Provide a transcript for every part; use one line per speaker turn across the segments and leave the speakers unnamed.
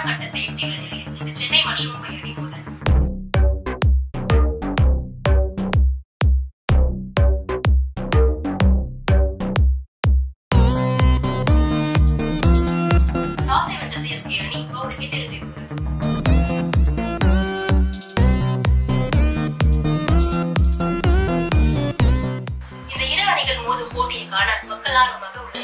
கட்டத்தை எட்டியுள்ள நிலையில் இன்று சென்னை மற்றும் மும்பை அணி மோதல். டாஸை வென்ற சிஎஸ்கே அணி பவுலிங்கை தேர்வு செய்துள்ளது. இந்த இரு அணிகள் மோதும் போட்டியை காண மக்கள் ஆர்வமாக உள்ளது.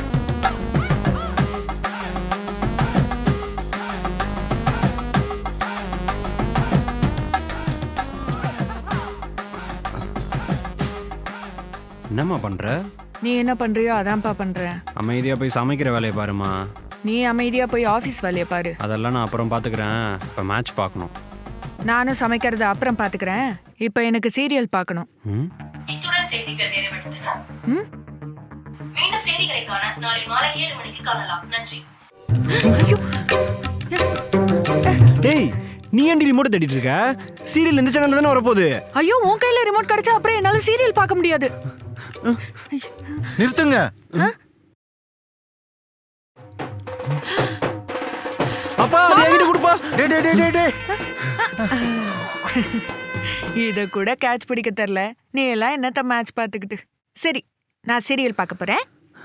என்னம்மா பண்ற?
நீ என்ன பண்றியோ அதான்ப்பா பண்றேன்.
அமைதியா போய் சமைக்கிற வேலையை பாருமா.
நீ அமைதியா போய் ஆபீஸ் வேலையை பாரு.
அதெல்லாம் நான் அப்புறம் பாத்துக்கிறேன். இப்ப மேட்ச் பார்க்கணும்.
நானும் சமைக்கிறத அப்புறம் பாத்துக்கிறேன். இப்ப எனக்கு சீரியல் பார்க்கணும்.
இத்துடன் செய்திகள் நிறைவடைந்தன. மீண்டும் செய்திகளை காண நாளை மாலை 7 மணிக்கு காணலாம். நன்றி.
டேய், நீ ஏன்டி ரிமோட் தேடிட்டு இருக்க? சீரியல் இந்த சேனல்ல தானே வரப்போகுது.
ஐயோ, உன் கையில ரிமோட் கிடைச்சா அப்புறம் என்னால சீரியல் பார்க்க முடியாது.
நிறுத்துங்க.
அப்பா, அதை என்கிட்ட கொடுப்பா.
டேய் டேய் டேய் டேய்.
இத கூட கேட்ச் பிடிக்க தெரியல. நீ எல்லாம் என்னத்த மேட்ச் பார்த்துக்கிட்டு. சரி, நான் சீரியல் பார்க்க போறேன்.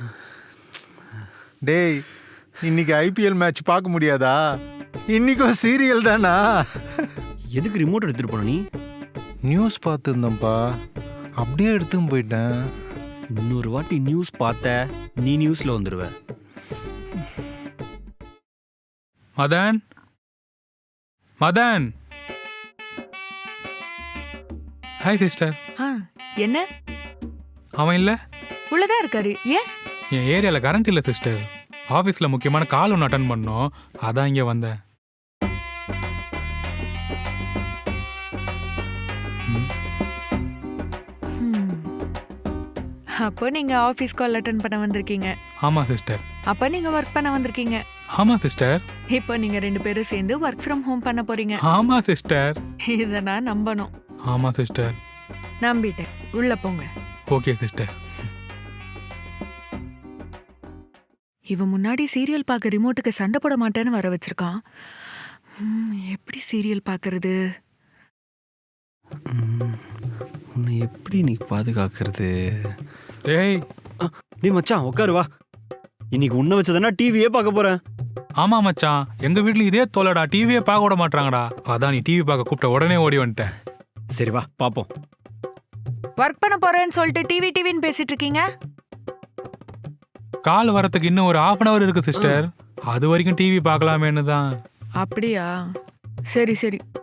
டேய், இன்னைக்கு ஐபிஎல் மேட்ச் பார்க்க முடியாதா? இன்னைக்கும் சீரியல் தானா?
எதுக்கு ரிமோட் எடுத்துட்டு போன நீ?
நியூஸ் பார்த்துருந்தேன்ப்பா, அப்படியே எடுத்துன்னு போயிட்டேன்.
இன்னொரு வாட்டி நியூஸ் பார்த்த நீ நியூஸ்ல வந்துருவ.
மதன், மதன். Hi sister.
என்ன?
அவன் இல்லை,
உள்ளதான் இருக்காரு. ஏன்?
என் ஏரியாவில் கரண்ட் இல்லை சிஸ்டர். ஆஃபீஸில் முக்கியமான கால் ஒன்று அட்டன் பண்ணோம், அதான் இங்கே வந்தேன்.
அப்போ நீங்க ஆபீஸ் கால் அட்டெண்ட் பண்ண வந்திருக்கீங்க.
ஆமாம் சிஸ்டர்.
அப்ப நீங்க ஒர்க் பண்ண வந்திருக்கீங்க.
ஆமாம் சிஸ்டர்.
இப்போ நீங்க 2 பேரும் சேர்ந்து ஒர்க் ஃப்ரம் ஹோம் பண்ண போறீங்க.
ஆமாம் சிஸ்டர்.
இத நான் நம்பணும்.
ஆமாம் சிஸ்டர்.
நம்பிட்டேன். உள்ள போங்க.
Okay sister.
இவன் முன்னாடி சீரியல் பார்க்க ரிமோட்டுக்கு சண்டை போட மாட்டேன்னு வர வச்சிருக்கான். எப்படி சீரியல் பார்க்கறது?
உன்னை எப்படி நீ பாதுகாக்கிறது?
டேய்,
நீ மச்சான் உட்காரு வா. இன்னைக்கு உன்னை வச்சதுன்னா டிவியே பார்க்க போறேன்.
ஆமாம் மச்சான், எங்கள் வீட்டில் இதே தோலடா, டிவியே பார்க்க விட மாட்டாங்கடா. அதான் நீ டிவி பார்க்க கூப்பிட்ட உடனே ஓடி வந்துட்டேன்.
சரி வா பாப்போம்.
ஒர்க் பண்ண போறேன்னு சொல்லிட்டு டிவின்னு பேசிட்டு இருக்கீங்க.
கால் வரத்துக்கு இன்னும் ஒரு 1/2 hour இருக்கு சிஸ்டர். அது வரைக்கும் டிவி பார்க்கலாமேன்னு தான்.
அப்படியா? சரி சரி.